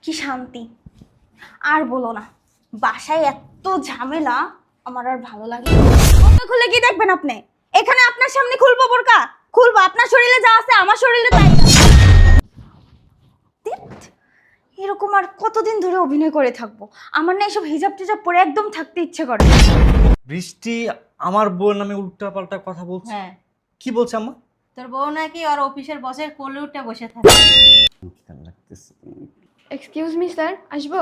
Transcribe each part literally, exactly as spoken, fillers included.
কি শান্তি। আর বলো না, বাসায় এত ঝামেলা, আমার আর ভালো লাগে না। বোরকা খুলে কি দেখবেন আপনি? এখানে আপনার সামনে খুলবো বোরকা? খুলবো? আপনার শরীরে যা আছে আমার শরীরে তাই আছে। ধ্যাৎ, এরকম আর কতদিন ধরে অভিনয় করে থাকবো? আমার না এসব হিজাব টিজাব পরে একদম থাকতে ইচ্ছে করে না। বৃষ্টি আমার বউর নামে উল্টা পাল্টা কথা বলছে। হ্যাঁ, কি বলছে আম্মা? তোর বউ নাকি ওর অফিসের বসের কোলে উঠে বসে থাকে। এক্সকিউজ মি স্যার, আসবো?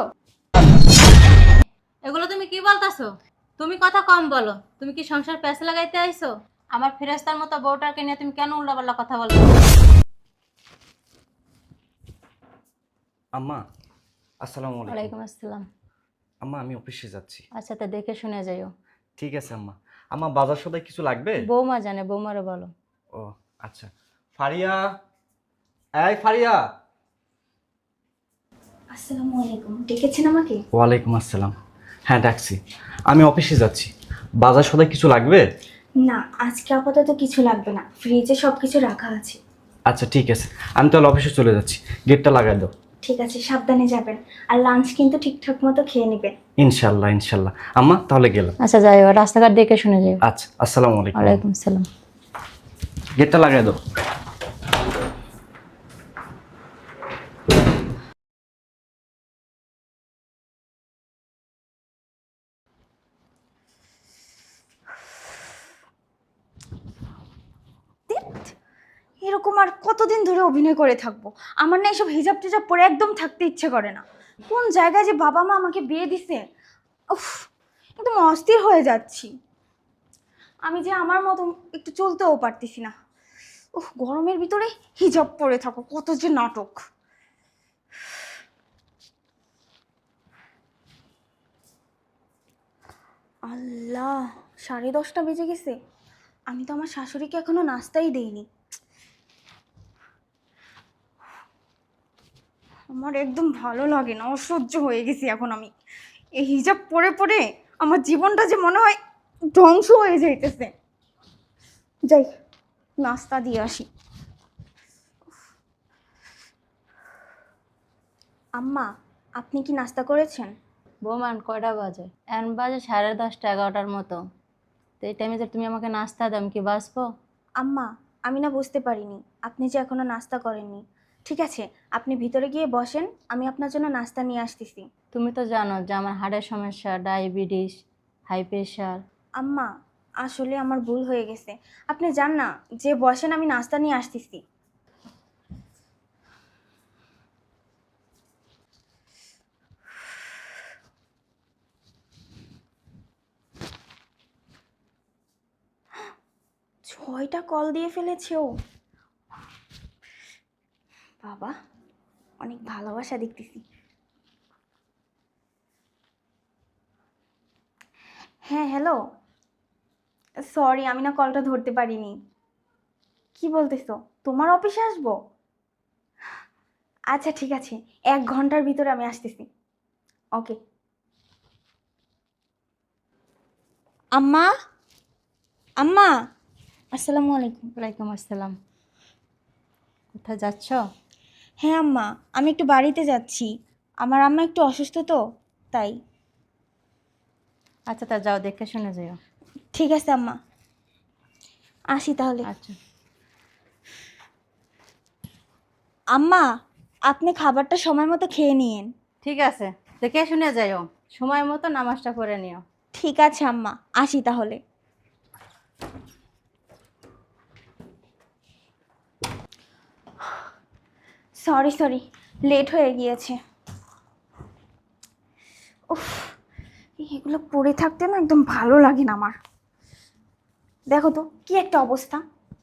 এগুলো তুমি কি বলতাছো? তুমি কথা কম বলো। তুমি কি সংসার প্যাঁচ লাগাইতে আইছো? আমার ফেরেস্তার মতো বউটাকে নিয়ে তুমি কেন উল্টাপাল্টা কথা বলো? আম্মা আসসালামু আলাইকুম। ওয়ালাইকুম আসসালাম। আম্মা আমি অফিসে যাচ্ছি। আচ্ছা, তা দেখে শুনে যাইও। ঠিক আছে আম্মা। আম্মা বাজার সদাই কিছু লাগবে? বৌমা জানে, বৌমারে বলো। ও আচ্ছা। ফারিয়া, এই ফারিয়া। আসসালামু আলাইকুম, ডেকেছেন আমাকে? ওয়ালাইকুম আসসালাম। হ্যাঁ ডাকছি। আমি অফিসে যাচ্ছি, বাজার সদাই কিছু লাগবে? না, আজকে আপাতত কিছু লাগবে না, ফ্রিজে সব কিছু রাখা আছে। আচ্ছা ঠিক আছে, আমি তাহলে অফিসে চলে যাচ্ছি, গেটটা লাগাই দাও। ঠিক আছে, সাবধানে যাবেন। আর লাঞ্চ কিন্তু ঠিকঠাক মতো খেয়ে নেবেন। ইনশাল্লাহ ইনশাল্লাহ। আম্মা তাহলে গেলাম। আচ্ছা যাইও, রাস্তাঘাট দেখে শুনে যাইও। আচ্ছা আসসালামু আলাইকুম। ওয়ালাইকুম আসসালাম। গেটটা লাগাই দাও। ধ্যাৎ, এরকম আর কতদিন ধরে অভিনয় করে থাকবো? আমার না এসব হিজাব টিজাব পরে একদম থাকতে ইচ্ছে করে না। কোন জায়গায় যে বাবা মা আমাকে বিয়ে দিছে, উফ, একদম অস্থির হয়ে যাচ্ছি। আমি যে আমার মতো একটু চলতেও পারতেছি না। উফ, গরমের ভিতরে হিজাব পরে থাকো, কত যে নাটক। আল্লাহ, সাড়ে দশটা বেজে গেছে। আমি তো আমার শাশুড়িকে এখনো নাস্তাই দেইনি। আমার একদম ভালো লাগে না, অসহ্য হয়ে গেছি এখন আমি। এই হিজাব পরে পরে আমার জীবনটা যে মনে হয় ধ্বংস হয়ে যাইতেছে। যাই, নাস্তা দিয়ে আসি। আম্মা, আপনি কি নাস্তা করেছেন? বৌমান কয়টা বাজে? এখন বাজে সাড়ে দশটা এগারোটার মতো। তো এই টাইমে যে তুমি আমাকে নাস্তা দাও, আমি কি বাঁচবো? আম্মা, আমি না বুঝতে পারিনি আপনি যে এখনো নাস্তা করেননি। ঠিক আছে, আপনি ভিতরে গিয়ে বসেন, আমি আপনার জন্য নাস্তা নিয়ে আসতেছি। তুমি তো জানো যে আমার হার্টের সমস্যা, ডায়াবেটিস, হাই প্রেশার। আম্মা, আসলে আমার ভুল হয়ে গেছে। আপনি যান না, যে বসেন, আমি নাস্তা নিয়ে আসতেছি। ছয়টা কল দিয়ে ফেলেছে ও। বাবা, অনেক ভালোবাসা দেখতেছি। হ্যাঁ হ্যালো, সরি আমি না কলটা ধরতে পারিনি। কি বলতেছো? তোমার অফিসে আসবো? আচ্ছা ঠিক আছে, এক ঘন্টার ভিতরে আমি আসতেছি। ওকে। আম্মা, আম্মা, আসসালামু আলাইকুম। ওয়ালাইকুম আসসালাম। কোথায় যাচ্ছ? হ্যাঁ আম্মা, আমি একটু বাড়িতে যাচ্ছি। আমার আম্মা একটু অসুস্থ তো, তাই। আচ্ছা তা যাও, দেখে শুনে যাও। ঠিক আছে আম্মা, আসি তাহলে। আচ্ছা। আম্মা, আপনি খাবারটা সময় মতো খেয়ে নিয়েন। ঠিক আছে, দেখে শুনে যাও, সময় মতো নামাজটা করে নিও। ঠিক আছে আম্মা, আসি তাহলে। সরি সরি, লেট হয়ে গিয়েছে। উফ, এগুলো পড়ে থাকতে না একদম ভালো লাগে না আমার। দেখো তো কি একটা অবস্থা।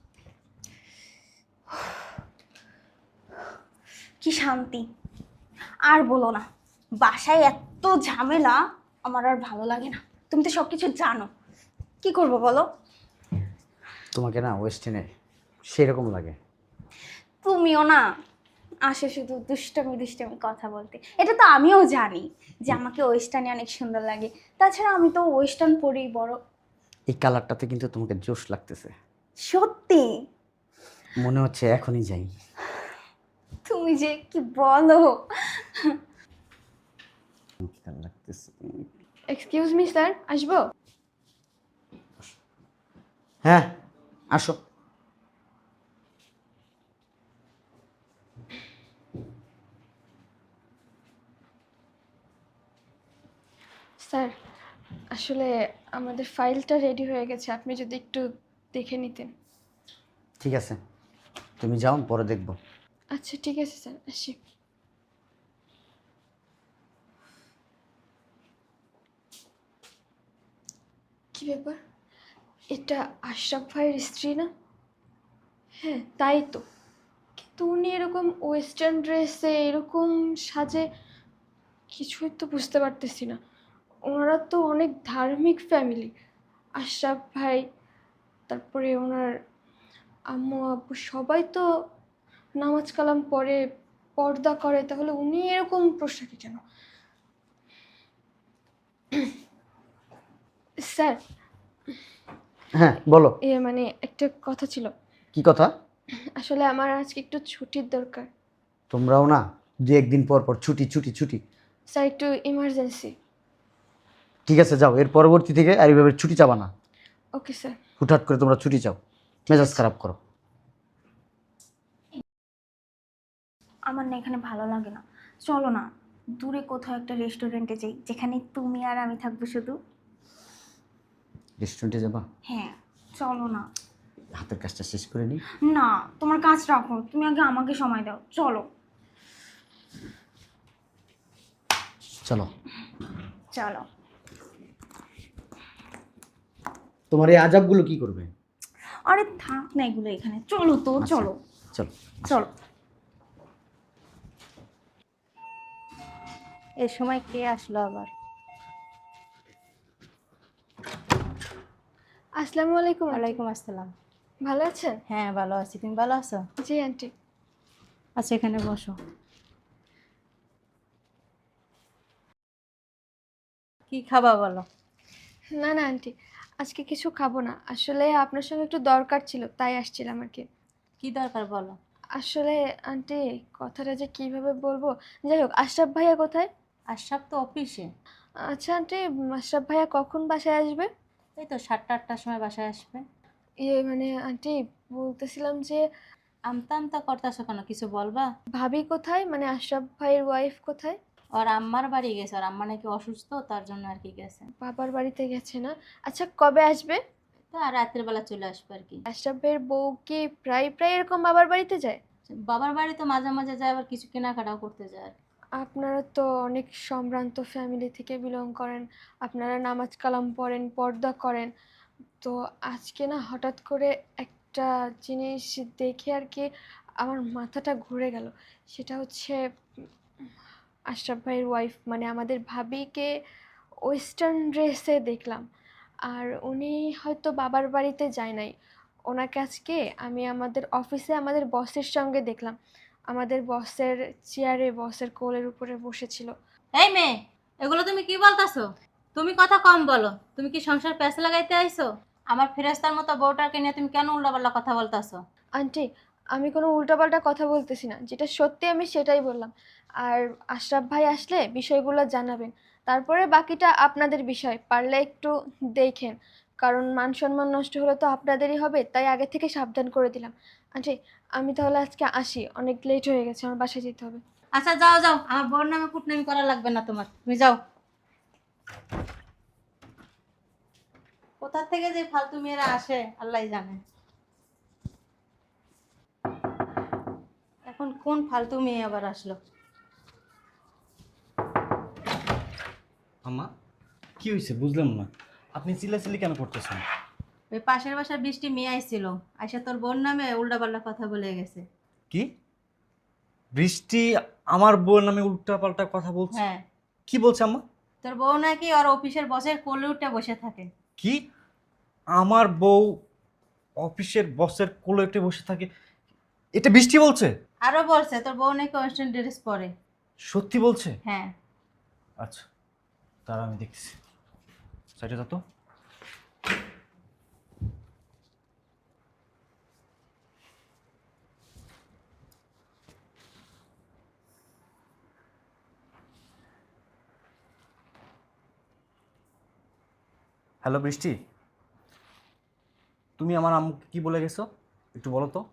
কি শান্তি। আর বলো না, বাসায় এত ঝামেলা, আমার আর ভালো লাগে না। তুমি তো সব কিছু জানো, কি করব বলো? তোমাকে না ওয়েস্টার্নে সেরকম লাগে। তুমিও না আসে শুধু দুষ্টামি দুষ্টামি কথা বলতে। এটা তো আমিও জানি যে আমাকে ওয়েস্টার্নে অনেক সুন্দর লাগে। তাছাড়া আমি তো ওয়েস্টার্ন পরি বড়। এই কালারটাতে কিন্তু তোমাকে জোশ লাগতেছে। সত্যি? মনে হচ্ছে এখনই যাই। তুমি যে কি বলো। লাগতেছে। এক্সকিউজ মি স্যার, আসবো? হ্যাঁ, আসো। স্যার, আসলে আমাদের ফাইলটা রেডি হয়ে গেছে, আপনি যদি একটু দেখে নিতেন। ঠিক আছে, তুমি যাও, পরে দেখবো। আচ্ছা ঠিক আছে স্যার, আসি। কি ব্যাপার, এটা আশরাফ ভাইয়ের স্ত্রী না? হ্যাঁ তাই তো, কিন্তু উনি এরকম ওয়েস্টার্ন ড্রেসে এরকম সাজে, কিছুই তো বুঝতে পারতেছি না। ওনারা তো অনেক ধার্মিক ফ্যামিলি, আশরাফ ভাই, তারপরে ওনার আম্মু আব্বু সবাই তো নামাজ কালাম পড়ে, পর্দা করে, তাহলে উনি এরকম পোশাকে কেন? স্যার, হ্যাঁ বলো। এ মানে একটা কথা ছিল। কি কথা? আসলে আমার আজকে একটু ছুটির দরকার। তোমরাও না দু একদিন পর পর ছুটি ছুটি ছুটি। স্যার একটু ইমার্জেন্সি। ঠিক আছে যাও, এর পরবর্তী থেকে আর এইভাবে ছুটি চাবা না। Okay sir. হুটহাট করে তোমরা ছুটি চাও, মেজাজ খারাপ করো। আমার না এখানে ভালো লাগে না, চলো না দূরে কোথাও একটা রেস্টুরেন্টে যাই, যেখানে তুমি আর আমি থাকবো শুধু। রেস্টুরেন্টে যাবা? হ্যাঁ চলো না। হাতের কাজটা শেষ করে নিই। না, তোমার কাজ রাখো, তুমি আগে আমাকে সময় দাও, চলো। চলো। চলো। তোমার এই আজাবগুলো কি করবে? আরে থাক না এগুলো এখানে, চলো তো আচ্ছা, চলো। চলো চলো। এই সময় কে আসলো আবার? আসসালামু আলাইকুম আন্টি। ওয়ালাইকুম আসসালাম। ভালো আছেন? হ্যাঁ ভালো আছি, তুমি ভালো আছো? জি আন্টি। আচ্ছা এখানে বসো। কি খাবা বলো? না না আন্টি, আজকে কিছু খাবো না, আসলে আপনার সঙ্গে একটু দরকার ছিল তাই আসছিলাম আর কি। কি দরকার বলো? আসলে আন্টি, কথাটা যে কিভাবে বলবো, যাই হোক, আশরাফ ভাইয়া কোথায়? আশরাফ তো অফিসে। আচ্ছা আন্টি, আশরাফ ভাইয়া কখন বাসায় আসবে? এই তো সাতটা আটটার সময় বাসায় আসবে। ইয়ে মানে আন্টি, বলতেছিলাম যে আমতা আমতা করতেছো কেন, কিছু বলবা? ভাবি কোথায়, মানে আশরাফ ভাইয়ের ওয়াইফ কোথায়? ওর আম্মার বাড়ি গেছে, ওর আম্মা নাকি অসুস্থ, তার জন্য আর কি গেছে। বাবার বাড়িতে গেছে না? আচ্ছা কবে আসবে? তো আর রাত্রের বেলা চলে আসবে আর কি। আশরাফ ভাইয়ের বউ কি প্রায় প্রায় এরকম বাবার বাড়িতে যায়? বাবার বাড়ি তো মাঝে মাঝে যায়, আবার কিছু কেনাকাটাও করতে যায় আর কি। আপনারা তো অনেক সম্ভ্রান্ত ফ্যামিলি থেকে বিলং করেন, আপনারা নামাজ কালাম পড়েন, পর্দা করেন, তো আজকে না হঠাৎ করে একটা জিনিস দেখে আর কি আমার মাথাটা ঘুরে গেল। সেটা হচ্ছে উম, আশরাফ ভাইয়ের ওয়াইফ মানে আমাদের ভাবিকে ওয়েস্টার্ন ড্রেসে দেখলাম। আর উনি হয়তো বাবার বাড়িতে যায় নাই, ওনাকে আজকে আমি আমাদের অফিসে আমাদের বসের সঙ্গে দেখলাম, আমাদের বসের চেয়ারে, বসের কোলের উপরে বসেছিল। এই মেয়ে, এগুলো তুমি কি বলতাছো? তুমি কথা কম বলো। তুমি কি সংসার প্যাঁচে লাগাইতে আইছো? আমার ফেরেস্তার মতো বউটাকে নিয়ে তুমি কেন উল্টাপাল্টা কথা বলতাছো? আন্টি, আমি কোনো উল্টাপাল্টা কথা বলতেছি না, যেটা সত্যি আমি সেটাই বললাম। আর আশরাফ ভাই আসলে বিষয়গুলো জানাবেন, তারপরে বাকিটা আপনাদের বিষয়, পারলে একটু দেখেন, কারণ মান সম্মান নষ্ট হলে তো আপনাদেরই হবে, তাই আগে থেকে সাবধান করে দিলাম। আন্টি, আমি তাহলে আজকে আসি, অনেক লেট হয়ে গেছে, আমার বাসায় যেতে হবে। আচ্ছা যাও যাও, আমার বউর নামে কুটনামি করা লাগবে না তোমার, তুমি যাও। কোথা থেকে যে ফালতু মেয়েরা আসে আল্লাহ জানে। এখন কোন ফালতু মেয়ে আবার আসলো? আম্মা, কি হয়েছে বুঝলাম না, আপনি চিল্লাচিল্লি কেন করতেছেন? ওই পাশের বাসার বৃষ্টি মেয়ে আইছিল, আইসা তোর বোন নামে উল্টাপাল্টা কথা বলে গেছে। কি? বৃষ্টি আমার বউয়ের নামে উল্টা পাল্টা কথা বলছে? হ্যাঁ, কি বলছে আম্মা? তোর বউ নাকি ওর অফিসের বসের কোলে উঠে বসে থাকে। কি? আমার বউ অফিসের বসের কোলে উঠে বসে থাকে? এটা বৃষ্টি বলছে? আরো বলছে তোর বউ নাকি ওয়েস্টার্ন ড্রেস পরে। সত্যি বলছে? হ্যাঁ। আচ্ছা, তারা আমি দেখছি। সাইডে যা তো। হ্যালো বৃষ্টি, তুমি আমার আম্মুকে কি বলে গেছো একটু বলো তো।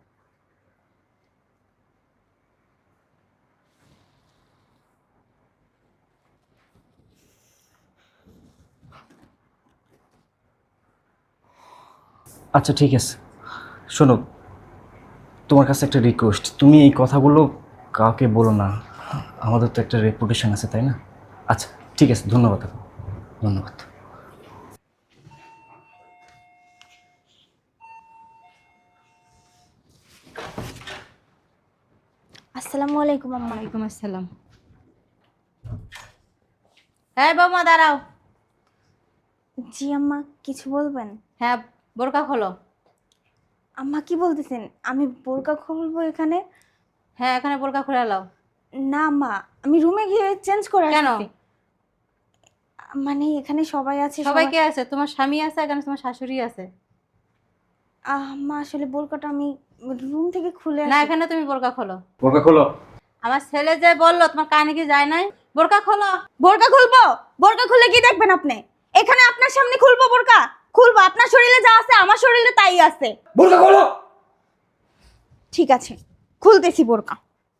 আচ্ছা ঠিক আছে, শোনো, তোমার কাছে একটা রিকোয়েস্ট, তুমি এই কথাগুলো কাউকে বলো না, আমাদের তো একটা রেপুটেশন আছে তাই না। আচ্ছা ঠিক আছে, ধন্যবাদ আপু, ধন্যবাদ। আসসালামু আলাইকুম আম্মা। ওয়ালাইকুম আসসালাম। হ্যাঁ বৌমা দাঁড়াও। জি আম্মা, কিছু বলবেন? হ্যাঁ, বোরকা খোলো। আম্মা কি বলতেছেন, আমি বোরকা খুলবো এখানে? হ্যাঁ, এখানে বোরকা খুলে নাও। না আম্মা, আমি রুমে গিয়ে চেঞ্জ করে কেন? আসছি। মানে এখানে সবাই আছে। সবাই কে আছে? তোমার স্বামী আছে, এখানে তোমার শাশুড়ি আছে। আম্মা আসলে বোরকাটা আমি রুম থেকে খুলে না, আসি। এখানে তুমি বোরকা খোলো। বোরকা খোলো। আমার ছেলে যে বললো, তোমার কানে কি যায় নাই? বোরকা খোলো। বোরকা খুলবো? বোরকা খুলে কি দেখবেন আপনি? এখানে আপনার সামনে খুলবো বোরকা? খুলবো, আপনার শরীরে যা আছে আমার শরীরে তাই আছে। বোরকা খোলো। ঠিক আছে, খুলতেছি বোরকা।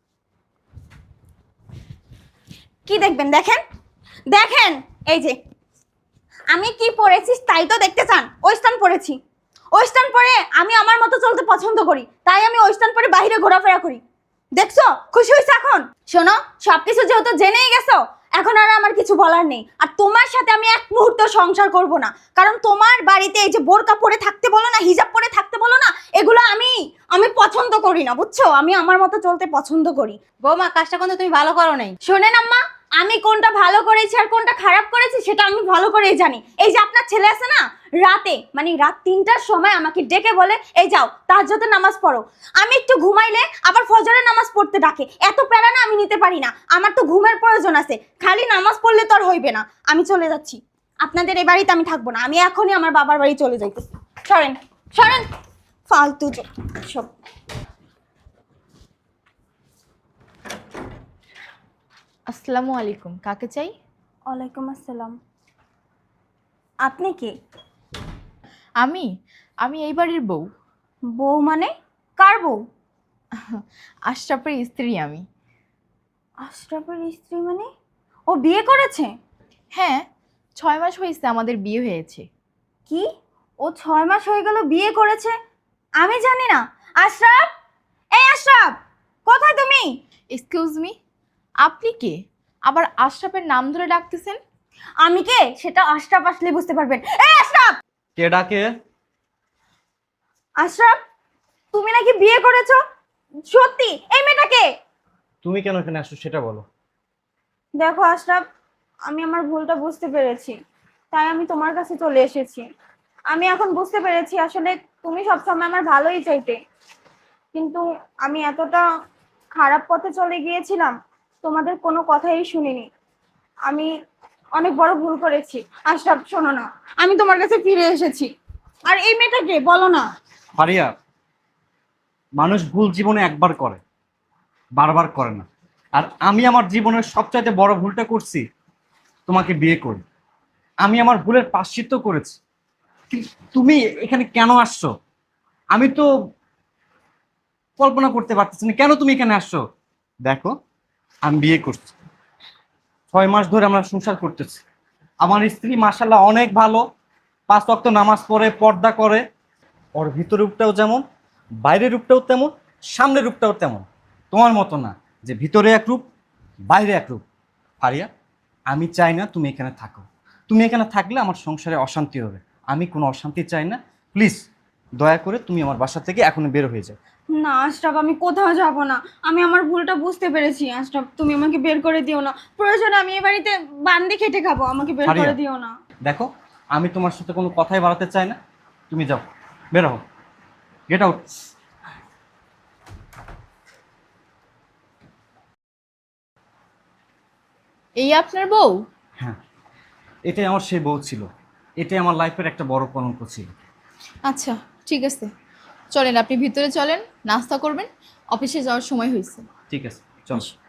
কি দেখবেন? দেখেন দেখেন, এই যে আমি কি পরেছি তাই তো দেখতে চান? ওয়েস্টার্ন পরেছি, ওয়েস্টার্ন পরে আমি আমার মতো চলতে পছন্দ করি, তাই আমি ওয়েস্টার্ন পরে বাইরে ঘোরাফেরা করি। দেখছো, খুশি হয়েছে এখন? শোনো, সবকিছু যেহেতু জেনেই গেছো, এখন আর আমার কিছু বলার নেই। আর তোমার সাথে আমি এক মুহূর্ত সংসার করব না, কারণ তোমার বাড়িতে এই যে বোরকা পরে থাকতে বলো না, হিজাব পরে থাকতে বলো না, এগুলো আমি আমি পছন্দ করি না, বুঝছো? আমি আমার মতো চলতে পছন্দ করি। বৌমা, কাজটা কিন্তু তুমি ভালো করো নাই। শোনেন আম্মা, আমি কোনটা ভালো করেছি আর কোনটা খারাপ করেছি সেটা আমি ভালো করেই জানি। এই যে আপনার ছেলে আছে না, রাতে মানে রাত তিনটার সময় আমাকে ডেকে বলে, এই যাও তাহাজ্জুদের নামাজ পড়ো। আমি একটু ঘুমাইলে আবার ফজরের নামাজ পড়তে ডাকে। এত প্যারা না আমি নিতে পারি না, আমার তো ঘুমের প্রয়োজন আছে। খালি নামাজ পড়লে তো আর হইবে না। আমি চলে যাচ্ছি, আপনাদের এই বাড়িতে আমি থাকবো না। আমি এখনই আমার বাবার বাড়ি চলে যাইতেছি। সরেন সরেন, ফালতু সব। আসসালামু আলাইকুম, কাকে চাই? ওয়ালাইকুম আসসালাম। আপনি কে? আমি আমি এই বাড়ির বউ, বউ মানে? কার বউ? আশরাফের স্ত্রী আমি। আশরাফের স্ত্রী মানে? ও বিয়ে করেছে? হ্যাঁ, ছয় মাস হয়েছে আমাদের বিয়ে হয়েছে। কি? ও ছয় মাস হয়ে গেল বিয়ে করেছে? আমি জানি না। আশরাফ, এই আশরাফ, কোথায় তুমি? এক্সকিউজ মি, আপনি কে? আবার আশরাফের নাম ধরে ডাকতেছেন? আমি কে সেটা আশরাফ আসলে বুঝতে পারবেন। এই আশরাফ! কে ডাকে? আশরাফ, তুমি নাকি বিয়ে করেছো? সত্যি? এই মেয়েটা কে? তুমি কেন এখানে আসছো সেটা বলো। দেখো আশরাফ, আমি আমার ভুলটা বুঝতে পেরেছি, তাই আমি তোমার কাছে চলে এসেছি। আমি এখন বুঝতে পেরেছি আসলে তুমি সবসময় আমার ভালোই চাইতে, কিন্তু আমি এতটা খারাপ পথে চলে গিয়েছিলাম, তোমাদের কোনো কথাই শুনিনি। আমি অনেক বড় ভুল করেছি। আশরাফ শোনো না, আমি তোমার কাছে ফিরে এসেছি। আর এই মেয়েটাকে বলো না। ফারিয়া, মানুষ ভুল জীবনে একবার করে, বারবার করে না। আর আমি আমার জীবনের সবচাইতে বড় ভুলটা করছি তোমাকে বিয়ে করি। আমি আমার ভুলের প্রায়শ্চিত্ত করেছি, কিন্তু তুমি এখানে কেন আসছো আমি তো কল্পনা করতে পারতেছি না। কেন তুমি এখানে আসছো? দেখো, আমি বিয়ে করছি, ছয় মাস ধরে আমরা সংসার করতেছি। আমার স্ত্রী মাশাআল্লাহ অনেক ভালো, পাঁচ ওয়াক্ত নামাজ পড়ে, পর্দা করে। ওর ভিতরের রূপটাও যেমন, বাইরের রূপটাও তেমন, সামনের রূপটাও তেমন। তোমার মতো না যে ভিতরে এক রূপ বাইরে এক রূপ। ফারিয়া, আমি চাই না তুমি এখানে থাকো। তুমি এখানে থাকলে আমার সংসারে অশান্তি হবে। আমি কোনো অশান্তি চাই না। প্লিজ দয়া করে তুমি আমার বাসা থেকে এখনই বের হয়ে যাও। না আশরাফ, আমি কোথাও যাব না। আমি আমার ভুলটা বুঝতে পেরেছি। আশরাফ, তুমি আমাকে বের করে দিও না। প্রয়োজনে আমি এই বাড়িতে বান্দি খেটে খাবো, আমাকে বের ফারিয়া, করে দিও না। দেখো, আমি তোমার সাথে কোনো কথাই বাড়াতে চাই না। তুমি যাও, বের হও, গেট আউট। এই আপনার বউ? হ্যাঁ, এটাই আমার সেই বউ ছিল। এটাই আমার লাইফের একটা বড় কলঙ্ক ছিল। আচ্ছা ঠিক আছে, চলেন আপনি ভিতরে চলেন, নাস্তা করবেন, অফিসে যাওয়ার সময় হয়েছে। ঠিক আছে, চল।